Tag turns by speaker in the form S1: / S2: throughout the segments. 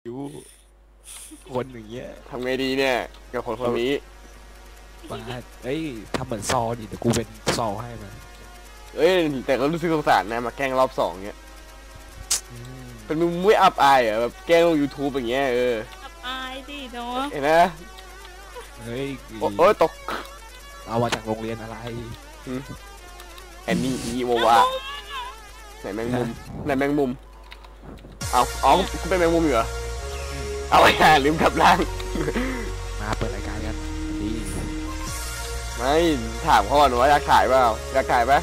S1: อยู่คนอย่างเงี้ย
S2: ทำไงดีเนี่ยกับคนนี้
S1: มาเอ้ยทำเหมือนซอดิเดี๋ยวกูเป็นซอให้มัน
S2: เอ้ยแต่ก็รู้สึกสงสารนะมาแกล้งรอบสองเงี้ย
S1: อืม
S2: เป็นมึงไม่อับอายเหรอแบบแกล้งลง YouTube อย่างเงี้ย
S3: อับอายดิเนาะ
S2: เห็นไหม
S1: เฮ้ย
S2: โอ้ยตก
S1: เอามาจากโรงเรียนอะไร
S2: แอนนี่อีโววาไหนแมงมุมไหนแมงมุมเอากูเป็นแมงมุมอยู่เหรอเอาไอ้ห่าลืมกลับร่าง
S1: มาเปิดรายการกันดี
S2: ไม่ถามเขาก่อนว่าอยากถ่ายเปล่าอยากถ่ายปะ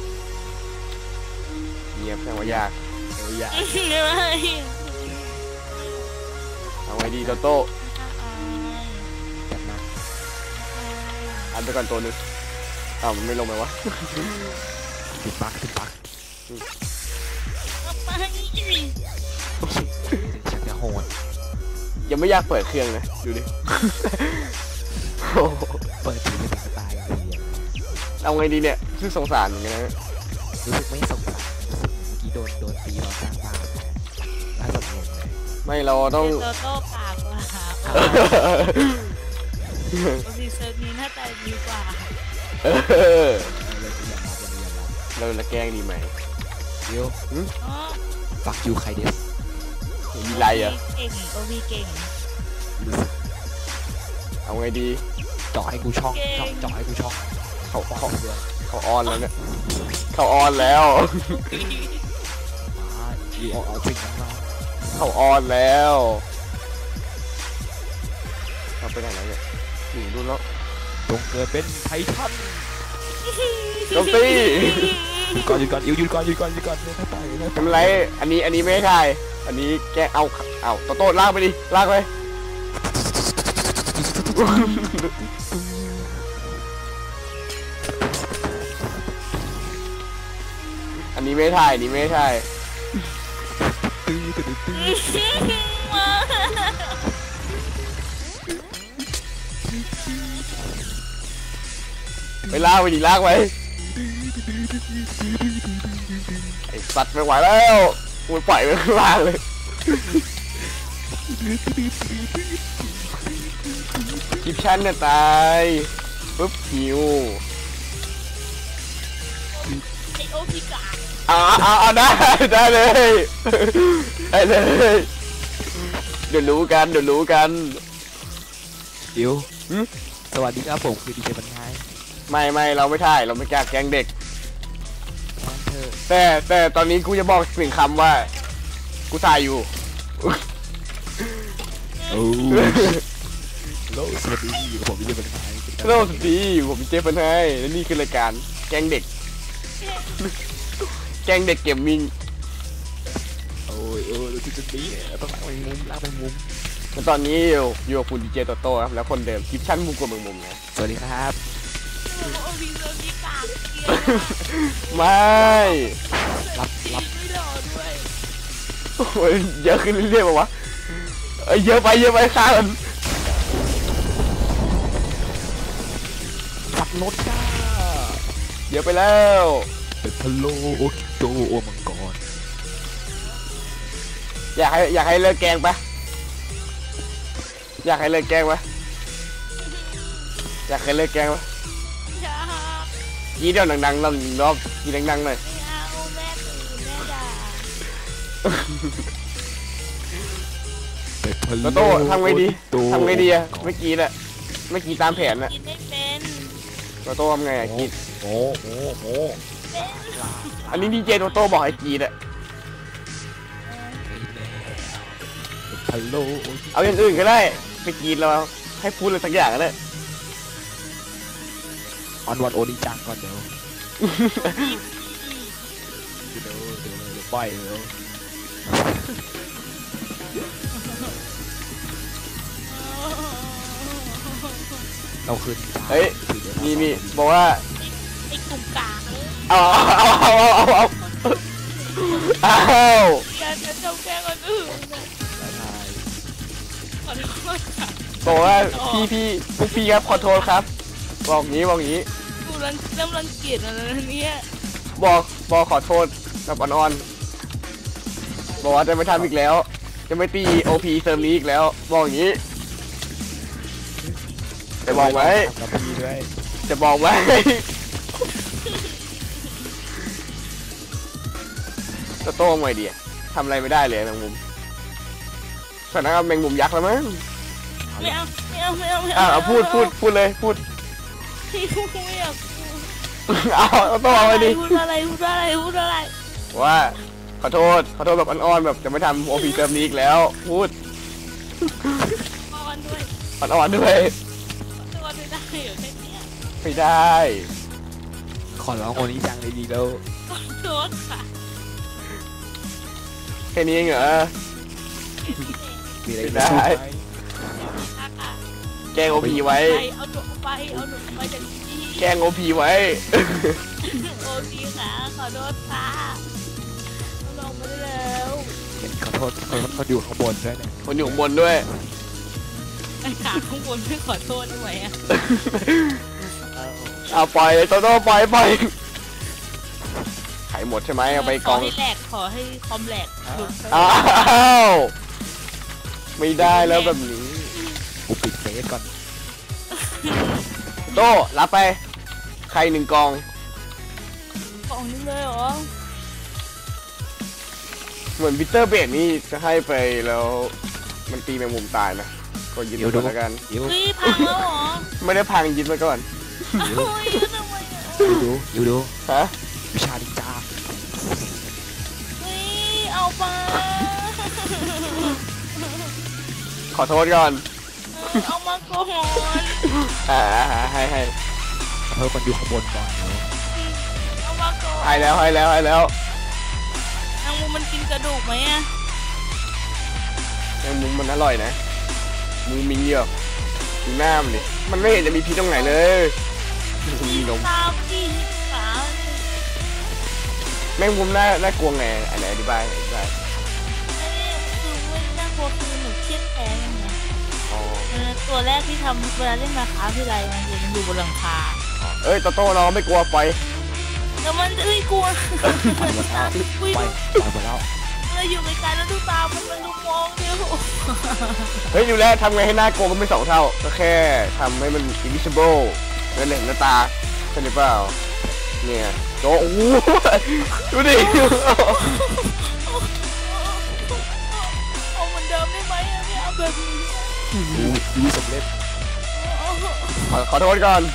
S2: เงียบแสดงว่าอยาก
S1: เดี๋ยวอย่า
S3: ไม่
S2: เอาไงดีโตโต้
S1: จัดมา
S2: อันไปก่อนตัวนึงมันไม่ลงไปวะ
S1: ติดปัก
S3: ไป
S1: ฉันจะโหด
S2: ยังไม่อยากเปิดเครื่องนะดูดิ
S1: เปิดทีไม่ติดตายเลย
S2: เอาไงดีเนี่ยชื่อสงสารเหมือนกันนะ
S1: รู้สึกไม่สงสารรู้สึกเมื่อกี้โดนตีตอนสร้างบ้านน่าสนใจเลย
S2: ไม่เราต้อง
S3: โตโต้ปากกว่าโอซีเซิร์ฟนี้หน้าตาดีกว่า
S2: เราจะแกล้งดีไหม
S1: เดี๋ยว
S3: อ๋อ
S1: ฟักยูใครเดส
S2: มีไรอ่ะ
S3: เก่งโอวีเก่ง
S1: รู้สึก
S2: เอาไงดี
S1: เจาะให้กูช่องเจาะให้กูช่อง
S2: เขาออนแล้วเนี่ยเขาออนแล้ว
S1: อยู่เอาสิ่งนั้นมา
S2: เขาออนแล้วเราไปไหนแล้วเนี่ยอยู่ดูแล้ว
S1: จงเกิดเป็นไททัน
S2: โจมตี
S1: หยุดก่อนหยุดก่อนไม่ไปไม่
S2: ทำ
S1: ไป
S2: ไรอันนี้ไม่ให้ถ่ายอันนี้แกเอาโตลากไปดิลากไป อันนี้ไม่ถ่ายไปลากไปดิลากไปไอ้สัตว์ไม่ไหวแล้วมันปล่อยไปข้างล่างเลยคลิปชั่นเนี่ยตายปุ๊บหิว
S3: ไอโอพิกา
S2: เอาได้เลยเดี๋ยวรู้กัน
S1: เดี๋ยวสวัสดีครับผมคือดีเจบรรยาย
S2: ไม่เราไม่ถ่ายเราไม่กล้าแกล้งเด็ก
S1: เธอ
S2: แต่ตอนนี้กูจะบอกหนึ่งคำว่ากูถ่ายอยู่
S1: โอ้โลสวัสดีผมดีเจบรรยาย
S2: โลกดีผมเจฟเฟนให้และนี่คือรายการแกล้งเด็ก แกล้งเด็กเกมมิ่ง
S1: โอ้ยรู้สึกจะดีต้องลากไปมุม
S2: แล้วตอนนี้อยู่กับคุณดีเจโตโต้ครับแล้วคนเดิมคลิปชั่นมุมกว่ามุมนะ
S1: สวัสดีครับ
S3: โอวีเซิร์ฟนี้กาก
S2: ไม่
S1: รับ
S3: ไม่หล่อด้วย
S2: โอ้ยเยอะขึ้นเรื่อยๆป่าวะเยอะไปฆ่ามัน
S1: ขับรถจ้า
S2: เยอะไปแล้ว
S1: เป็นพะโลโตมังกร
S2: อยากให้เลิกแกล้งปะอยากให้เลิกแกล้งปะ
S3: อยาก
S2: ยี่เดียวดังๆรอบยี่ดังๆหน่อย
S3: ไม่เอาแม่ตื่นแม่ด่า
S1: เป็นพะโล
S2: โตทำไงดีอะเมื่อกี้ตามแผนอะ
S3: กินไม่เป็น
S2: โตทำไงอะกีด
S1: โอ้
S2: อันนี้ดีเจโตบอกให้กีดอะ
S1: พะโล
S2: เอาอย่างอื่นก็ได้ไปกีดเราให้พูดอะไรสักอย่างก็ได้
S1: ออนวันโอนิจังก่อนเดี๋ยวปล่อยเลยเราขึ้น
S2: เฮ้ยมีบอกว่า
S3: ไอ้กลุ่มกาก
S2: เอา
S3: การจะจงแกล้งคนอื่นขอโทษค่ะ
S2: บอกว่าพวกพี่ครับขอโทษครับบอกงี้
S3: กูเริ่มรังเกียจแล้วเนี่ย
S2: บอกขอโทษแบบอ่อนๆบอกว่าจะไม่ทำอีกแล้วจะไม่ตีโอพีเซิร์ฟนี้อีกแล้วบอกอย่างนี้จะบอกไว้
S1: กับพี่ด้วย
S2: จะบอกไว้จะโต้งไงดีทำอะไรไม่ได้เลยแมงมุมสถานะแมงมุมยักษ์แล้วมั้ง
S3: ไม่เอาไม่เอาไม่เอาไม่
S2: เอาพูดเลยพูด
S3: พี่ไม่อยากพูด
S2: เอาโต้เอาไปดิ
S3: พูดอะไรพูดอะไร
S2: ว่าขอโทษแบบอ่อนๆแบบจะไม่ทำโอพีเซิร์ฟนี้อีกแล้วพูด
S3: อ่อนด้วย
S2: อ่อนๆด้วย
S3: ตัวไม่ได้เหรอแค่เนี้ย
S2: ไม่ได้
S1: ขอร้องโอนี้จังเลยดีแล้ว
S3: ขอโทษค่ะ
S2: แค่นี้เองเหรอ
S1: มีอะไร
S2: ไม่
S1: จะ
S2: ได้
S1: พูดไหม
S3: ค่ะ
S2: แกล้งโอพีไว้
S3: เอาหนูไปจากที่
S2: แกล้งโอพีไว้
S3: โอเคค่ะขอโทษค่ะลงมาได้แล้ว
S1: เห็นขอโทษคนอยู่ข้างบนด้วยเนี่ย
S2: คนอยู่ข้างบนด้วย
S3: ไอ้ขาข้างบนไม่ขอโทษได้ไหมอ่ะ
S2: เอาปล่อยเลยโตโต้ปล่อยขายหมดใช่ไหมเอาไปกอง
S3: ขอให้แหลกขอให้คอมแหลกหลุด
S2: อ้าวไม่ได้แล้วแบบนี้
S1: กูปิดเฟซก่อน
S2: โต้รับไปใคร1กอง
S3: กล่องนี้เลยเหรอ
S2: เหมือนวิเตอร์เบดนี่จะให้ไปแล้วมันตีแมงมุมตายนะก็ยึดไปก่อนแล้วกัน
S1: เดี๋ยว
S3: เฮ้ยพังแล้วเหรอ
S2: ไม่ได้พังยึดมาก่อน
S3: เฮ้ยทำไมอ่ะ
S1: ดู
S2: ฮะ
S1: วิชาดิจา
S3: เฮ้ยเอาไป
S2: ขอโทษก่อน
S3: เอามาก่อน
S2: ให้
S1: ขอโทษคนอยู่ข้างบนก่อน
S3: เอามาก่อน
S2: ให้แล้ว
S3: นางมูมันกินกระดูกไหมอ่ะ
S2: แมงมุมมันอร่อยนะมึงมีเหรอดูหน้ามันดิมันไม่เห็นจะมีพิษตรงไหนเลยมีนม
S3: ตามดิขา
S2: แมงมุมน่ากลัวไงอันไหนอธิบาย
S3: ไอ้นี่คือไม่น่ากลัวคือหนูเครียดแค้นไง
S2: อ๋อ
S3: ตัวแรกที่ทำเวลาเล่นมาค้าที่ไรมันจะอยู่บนหลังคา
S2: เอ้ยโตโต้เราไม่กลัวปล่อย
S3: แล้วมันจะไม่กลัว
S1: ไปหมดแล้วไปหมดแล้ว
S3: เราอยู่ไกลๆแล้วดูตามันลุกมองเดียว
S2: เฮ้ยอยู่แล้วทำไงให้หน้ากลัวก็ไม่2 เท่าก็แค่ทำให้มัน invisible เห็นหน้าตาใช่หรือเปล่าเนี่ยโตโอ้โหดูดิ
S3: เอาเหมือนเดิมได้ไหมอะไม่เอาแบบนี้
S1: ดูสำเร็จ
S2: ขอโทษก่อน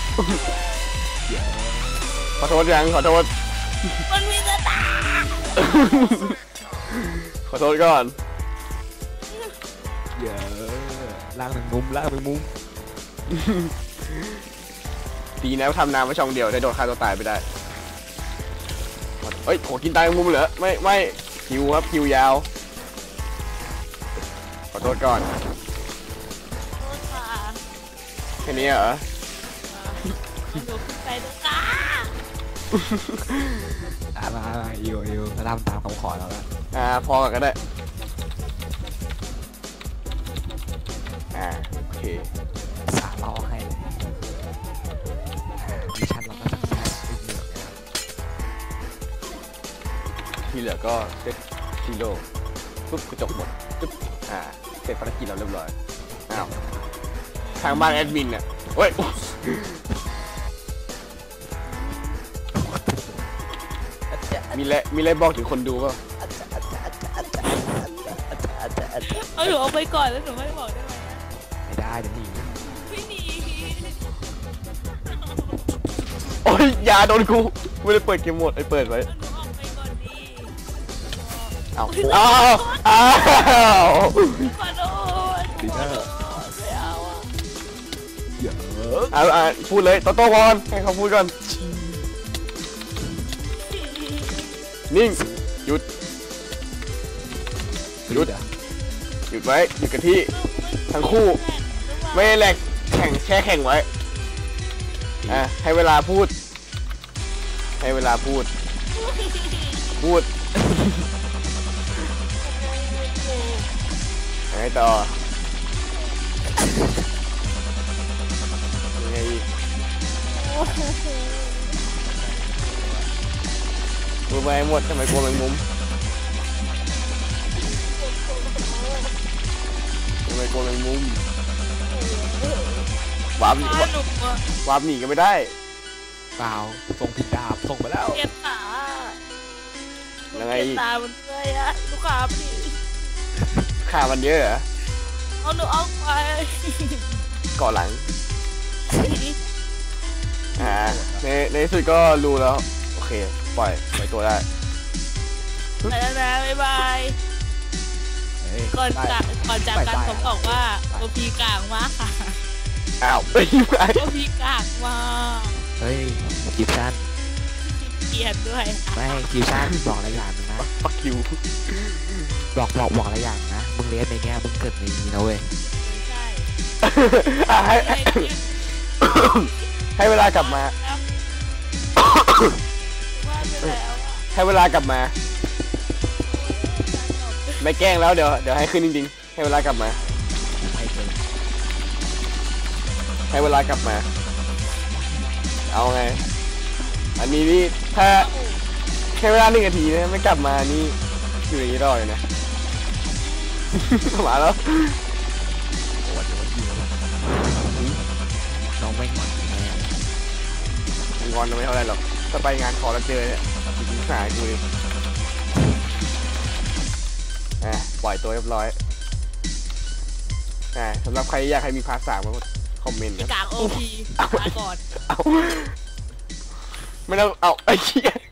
S2: ขอโทษยังขอโทษ
S3: มันมีกระตา
S2: ขอโทษก่อน
S1: เยอะล่างหนึ่งมุม
S2: ดีนะทำน้ำไว้ช่องเดียวได้โดนฆ่าตัวตายไปได้เฮ้ยโหกินตายมุมเหรอไม่คิวครับคิวยาวขอโทษก่อน
S3: โทษค่ะ
S2: แค่นี้เหรอ
S3: มันอยู่ขึ้นไปด้วยกา
S1: มาอิวตามคำขอเราแล้ว
S2: พอกันก็ได้โอเค
S1: สาเราให้เลยมิชชั่นเราก็สักเซสอีกหนึ่งนะครับ
S2: ที่เหลือก็เซตซีโร่ปุ๊บกระจกหมดปุ๊บเสร็จภารกิจเราเรียบร้อยอ้าวทางบ้านแอดมินเนี่ยเฮ้ยมีอะไรบอกถึงคนดูป่ะ
S3: เอาหนูเอาไปก่อนแล้วหนูไม่บอกได้ไหม
S1: ไม่ได้เดี๋ยวหนี
S3: ไม่หนี
S2: โอ้ยยาโดนกูไม่ได้เปิดเกมโหมดไอ้เปิดไว้
S3: หนูออกไปก่อนดี
S2: อ้าว
S3: ขอโทษไม่เอาอะ
S1: เยอะ
S2: พูดเลยโตโต้ก่อนให้เขาพูดก่อนนิ่งหยุดหยุดไว้หยุดกันที่ทั้งคู่ไม่แหลกแข่งไว้ให้เวลาพูดยังไงต่อยังไงอีกพูดไปหมดทำไมกลัวแมงมุมลัวแมงมุมวาร์ปหนี
S3: หนูอะ
S2: วาร์ปหนีก็ไม่ได้
S1: เปล่าส่งผิดดาบส่งไปแล้ว
S3: เกลียดขา
S2: ยังไง
S3: เกลียดตามันเลยอะลูกค้าพี่
S2: ขามันเยอะเหรอ
S3: เอาหนูออกไป
S2: เกาะหลังในที่สุดก็รู้แล้วโอเคปล่อยตัวได้
S3: ไปแล้วนะบ๊ายบาย
S1: เฮ้ย
S3: ก่อน
S1: ได้
S3: จากกันผมบอกว่าโอพีกลางมากค่ะ
S2: อ้าวไปยังไง
S3: โอพีกลางมาก
S1: เฮ้ยคิวชั่น
S3: เกลียดด้วย
S1: ไม่คิวชั่นบอกอะไรอย่างหนึงนะ
S2: ปักคิว
S1: บอกอะไรอย่างนะมึงเลี้ยงในเงี้ยมึงเกิดในนี้นะเว้ย
S3: ไม่ใช่
S2: ให้ ให้เวลากลับมา
S3: ว่าไปแล้วอะ
S2: ให้เวลากลับมา ไม่แกล้งแล้วเดี๋ยวให้ขึ้นจริงๆให้เวลากลับมา
S1: ไม่เคย
S2: ให้เวลากลับมา เอาไง อันนี้นี่ถ้าใช้เวลา1 นาทีนะไม่กลับมานี่อยู่อย่างนี้รอเลยนะ มาแล้ว
S1: โอ้โหยิงแล้วน้องไม่งอนแน่
S2: งอนไม่เท่าไรหรอกถ้าไปงานขอแล้วเจอเนี่ยจริงๆหายกูเลยปล่อยตัวเรียบร้อยสำหรับใครอยากให้มีพาร์ท 3ก็คอมเมนต์
S3: พี่
S2: นะ
S3: กลางโอพีมาก่อน
S2: เอาไม่ต้องเอาไอ้เหี้ย